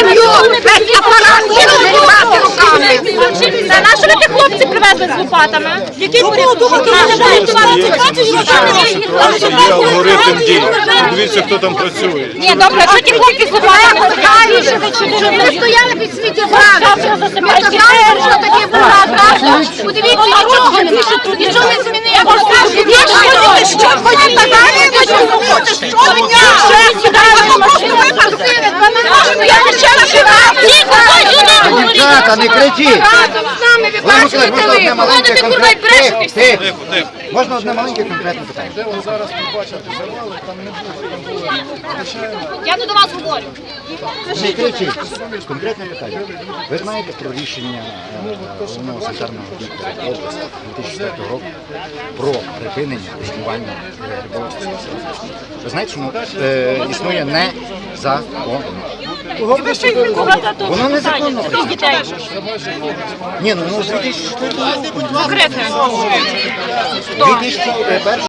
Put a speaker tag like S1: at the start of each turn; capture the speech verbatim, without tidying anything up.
S1: сім'ю, весь апарат кинули рвати руками. На що ви тих хлопців привезли з лопатами? Який порядок?
S2: Є алгоритм дій. Дивіться, хто там працює.
S1: Ні, добре, що ті хлопці з лопатами? Ми стояли під сміттєзвалищем. Ми казали, що таке була, правда? Подивіться, нічого не нічого не змінило. Що ходять далі, ви що хочете? Що дня? Просто випадки. Я не ще раз
S3: Дівчата, не кричіть! Можна одне маленьке конкретне питання?
S1: Я не до вас говорю.
S3: Не кричіть. Конкретне питання. Ви знаєте про рішення головного санітарного відділу області дві тисячі четвертого року про припинення існування риболовства? Ви знаєте, що воно е, існує незаконно? Воно незаконно. Ні, ну воно з дві тисячі четвертого року.
S1: Конкретно.
S3: дві тисячі першого